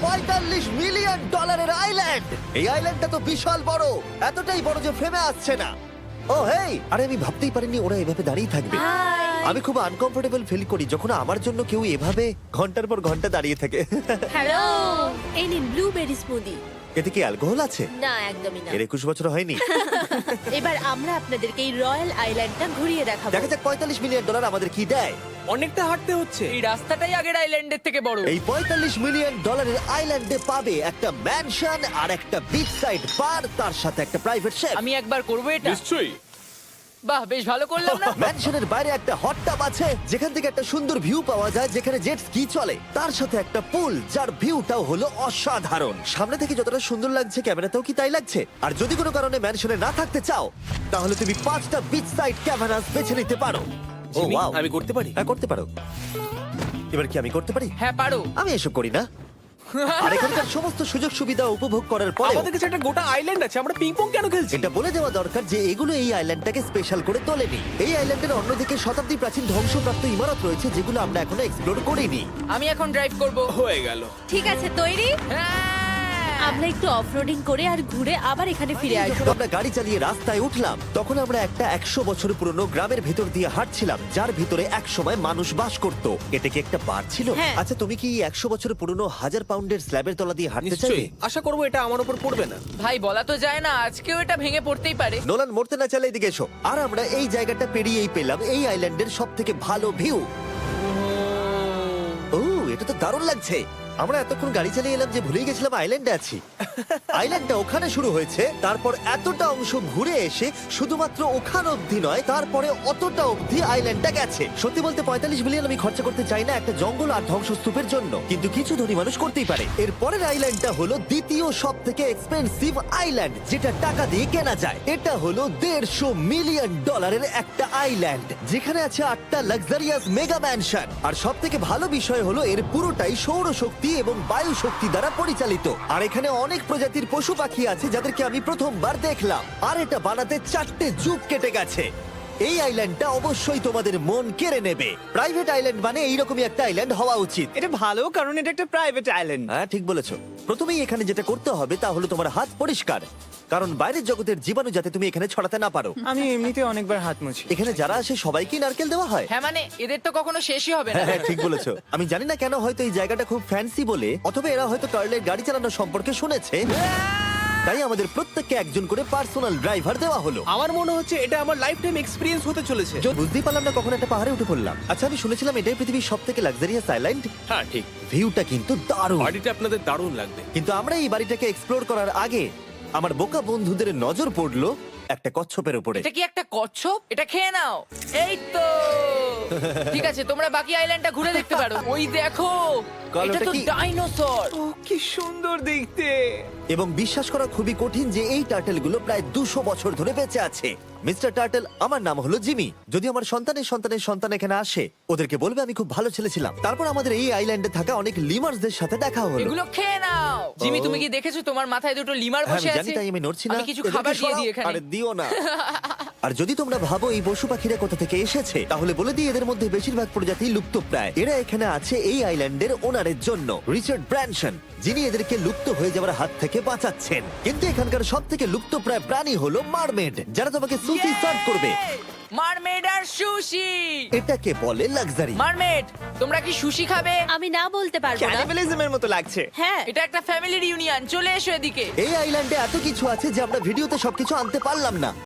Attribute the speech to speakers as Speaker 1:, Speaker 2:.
Speaker 1: $45 million island. এই আইল্যান্ডটা তো বিশাল বড়, এতটাই বড় যে ফ্রেমে আসছে না। ও হেই, আরে আমি ভাবতেই পারিনি ওরা এভাবে দাঁড়িয়ে থাকবে। আমি খুব আনকমফোর্টেবল ফিল করি যখন আমার জন্য কেউ এভাবে ঘন্টার পর ঘন্টা দাঁড়িয়ে থাকে।
Speaker 2: হ্যালো, এই নিন ব্লুবেরি স্মুদি।
Speaker 1: এতে কি অ্যালকোহল আছে?
Speaker 2: না, একদমই না।
Speaker 1: এর 21 বছর হয়নি।
Speaker 2: এবার আমরা আপনাদেরকে এই রয়্যাল আইল্যান্ডটা ঘুরিয়ে দেখাবো।
Speaker 1: দেখা যাক $45 মিলিয়ন আমাদের কি দেয়।
Speaker 3: অনেকটা হাঁটতে হচ্ছে।
Speaker 4: এই রাস্তাটাই আগের আইল্যান্ডের থেকে বড়।
Speaker 1: এই $45 মিলিয়ন আইল্যান্ডে পাবে একটা ম্যানশন আর একটা বিচ সাইড বার, তার সাথে একটা প্রাইভেট শেফ।
Speaker 4: আমি একবার করবো এটা।
Speaker 3: নিশ্চয়ই।
Speaker 4: বাহ, বেশ ভালো করলাম না?
Speaker 1: ম্যানশনের বাইরে একটা হট টাব আছে যেখান থেকে একটা সুন্দর ভিউ পাওয়া যায়, যেখানে জেট স্কি চলে, তার সাথে একটা পুল যার ভিউটাও হলো অসাধারণ। সামনে থেকে যতটা সুন্দর লাগছে ক্যামেরাতেও কি তাই লাগছে। আর যদি কোনো কারণে ম্যানশনে না থাকতে চাও তাহলে তুমি 5টা বিচ সাইড ক্যামেরাস বেছে নিতে পারো। ও
Speaker 3: জিমি,
Speaker 1: ওয়াও,
Speaker 3: আমি করতে পারি?
Speaker 1: হ্যাঁ করতে পারো। এবার কি আমি করতে পারি?
Speaker 4: হ্যাঁ, পারো।
Speaker 1: আমি এসব করি না। আর এখানকার সমস্ত সুযোগ সুবিধা উপভোগ করার পরে
Speaker 3: আমাদের কাছে একটা গোটা আইল্যান্ড আছে, আমরা পিং পং কেন খেলছি?
Speaker 1: এটা বলে দেওয়া দরকার যে এগুলো এই আইল্যান্ডটাকে স্পেশাল করে তোলেনি। এই আইল্যান্ডের অন্যদিকে শতাব্দী প্রাচীন ধ্বংসপ্রাপ্ত ইমারত রয়েছে যেগুলো আমরা এখনো এক্সপ্লোর করিনি।
Speaker 4: আমি এখন ড্রাইভ করবো।
Speaker 3: হয়ে গেল।
Speaker 2: ঠিক আছে, তৈরি?
Speaker 4: হ্যাঁ।
Speaker 2: আমরা একটু অফরোডিং করে আর ঘুরে আবার এখানে ফিরে আসবো।
Speaker 1: যখন আমরা গাড়ি চালিয়ে রাস্তায় উঠলাম তখন আমরা একটা 100 বছর পুরনো গ্রামের ভেতর দিয়ে হাঁটছিলাম যার ভিতরে একসময় মানুষ বাস করত। এটা কি একটা বার ছিল?
Speaker 2: হ্যাঁ।
Speaker 1: আচ্ছা, তুমি কি 100 বছর পুরনো 1000 পাউন্ডের স্ল্যাবের তলা দিয়ে হাঁটতে চাইবে?
Speaker 3: নিশ্চয়ই। আশা করবো এটা আমার উপর পড়বে না।
Speaker 4: ভাই, বলা তো যায় না, আজকেও এটা ভেঙে পড়তেই পারে।
Speaker 1: নোলান, মরতে না চাইলে এদিকে এসো। আর আমরা এই জায়গাটা পেরিয়েই পেলাম এই আইল্যান্ডের সব থেকে ভালো ভিউ। ও, এটা তো দারুণ লাগছে। আমরা এতক্ষণ গাড়ি চালিয়ে এলাম যে ভুলেই গেছিলাম আইল্যান্ডে আছি। আইল্যান্ডটা ওখানে শুরু হয়েছে, তারপর এতটা অংশ ঘুরে এসে শুধুমাত্র ওখান অবধি নয়, তারপরে অতটা অবধি আইল্যান্ডটা গেছে। সত্যি বলতে 45 মিলিয়ন আমি খরচা করতে চাই না একটা জঙ্গল আর ধ্বংসস্তূপের জন্য, কিন্তু কিছু ধনী মানুষ করতেই পারে। এর পরের আইল্যান্ডটা হলো দ্বিতীয় সব থেকে এক্সপেন্সিভ আইল্যান্ড, যেটা টাকা দিয়ে কেনা যায়। এটা হলো $150 মিলিয়ন একটা আইল্যান্ড যেখানে আছে 8টা লাক্সারিয়াস মেগা ম্যানশন। আর সব থেকে ভালো বিষয় হলো এর পুরোটাই সৌরশক্তি এবং বায়ু শক্তি দ্বারা পরিচালিত। আর এখানে অনেক প্রজাতির পশু পাখি আছে যাদেরকে আমি প্রথমবার দেখলাম। আর এটা বানাতে 4টে যুগ কেটে গেছে। এই আইল্যান্ডটা অবশ্যই তোমাদের মন কেড়ে নেবে। প্রাইভেট আইল্যান্ড মানে এইরকমই একটা আইল্যান্ড হওয়া উচিত।
Speaker 5: এটা ভালো, কারণ এটা একটা প্রাইভেট আইল্যান্ড।
Speaker 1: হ্যাঁ, ঠিক বলেছো। প্রথমেই এখানে যেটা করতে হবে তা হলো তোমার হাত পরিষ্কার, কারণ বাইরের জগতের জীবাণু যাতে তুমি এখানে ছড়াতে না পারো।
Speaker 5: আমি এমনিতে অনেকবার হাত মুছি।
Speaker 1: এখানে যারা আসে সবাইকেই নারকেল দেওয়া হয়।
Speaker 4: হ্যাঁ, মানে এদের তো কখনো শেষই হবে না।
Speaker 1: হ্যাঁ, ঠিক বলেছো। আমি জানি না কেন, হয়তো এই জায়গাটা খুব ফ্যান্সি বলে, অথবা এরা হয়তো কার্লের গাড়ি চালানোর সম্পর্কে শুনেছে, তাই আমাদের প্রত্যেককে একজন করে পার্সোনাল ড্রাইভার দেওয়া হলো।
Speaker 3: আমার মনে হচ্ছে এটা আমার লাইফ টাইম এক্সপিরিয়েন্স হতে চলেছে।
Speaker 1: বুঝতেই পারলাম না কখন একটা পাহাড়ে উঠে পড়লাম। আচ্ছা, আমি শুনেছিলাম এটাই পৃথিবীর সব থেকে লাক্সারিয়াস আইল্যান্ড।
Speaker 3: হ্যাঁ, ঠিক।
Speaker 1: ভিউটা কিন্তু দারুণ।
Speaker 3: বাড়িটা আপনাদের দারুণ লাগবে।
Speaker 1: কিন্তু আমরা এই বাড়িটাকে এক্সপ্লোর করার আগে আমার বোকা বন্ধুদের নজর পড়লো একটা কচ্ছপের উপরে।
Speaker 4: এটা কি একটা কচ্ছপ? এটা খেয়ে নাও। এই তো। ঠিক আছে, তোমরা বাকি আইল্যান্ডটা ঘুরে দেখতে পারো। ওই দেখো,
Speaker 1: কাল,
Speaker 4: এটা
Speaker 1: ওটা
Speaker 4: তো
Speaker 1: কি?
Speaker 4: ডাইনোসর।
Speaker 5: ও কি সুন্দর দেখতে।
Speaker 1: এবং বিশ্বাস করা খুবই কঠিন যে এই টার্টেলগুলো প্রায় 200 বছর ধরে বেঁচে আছে। মিস্টার টার্টেল, আমার নাম হলো জিমি। যদি আমার সন্তানের সন্তানের সন্তান এখানে আসে, ওদেরকে বলবে আমি খুব ভালো ছেলে ছিলাম। তারপর আমাদের এই আইল্যান্ডে থাকা অনেক লিমার্সদের সাথে দেখা হলো।
Speaker 4: এগুলো খেয়ে নাও। জিমি, তুমি কি দেখেছো তোমার মাথায় দুটো লিমার
Speaker 1: হ্যাঁ,
Speaker 4: বসে
Speaker 1: আমি জানি,
Speaker 4: আছে?
Speaker 1: তাই আমি নড়ছি না।
Speaker 4: আমি কিছু
Speaker 1: এদেরকে
Speaker 4: খাবার দিয়ে
Speaker 1: সরাও।
Speaker 4: দিই এখানে।
Speaker 1: আরে দিও না। আর যদি তোমরা ভাবো এই পশু পাখিরা কোথা থেকে এসেছে, তাহলে বলে দিই এদের মধ্যে বেশিরভাগ প্রজাতি লুপ্তপ্রায়। এরা এখানে আছে এই আইল্যান্ডের ওনারের জন্য, রিচার্ড ব্র্যানসন, যিনি এদেরকে লুপ্ত হয়ে যাওয়ার হাত থেকে বাঁচাচ্ছেন। কিন্তু এখানকার সব থেকে লুপ্তপ্রায় প্রাণী হলো মারমেড, যারা তোমাকে সুশি সার্ভ করবে।
Speaker 4: মারমেড আর সুশি।
Speaker 1: এটাকে বলে লাক্সারি।
Speaker 4: মারমেড, তোমরা কি সুশি খাবে?
Speaker 2: আমি না বলতে পারবো না।
Speaker 5: ক্যানিবালিজমের মতো লাগছে।
Speaker 2: হ্যাঁ,
Speaker 4: এটা একটা ফ্যামিলি রিউনিয়ন, চলে এসো এদিকে।
Speaker 1: এই আইল্যান্ডে এত কিছু আছে যে আমরা ভিডিওতে সবকিছু আনতে পারলাম না।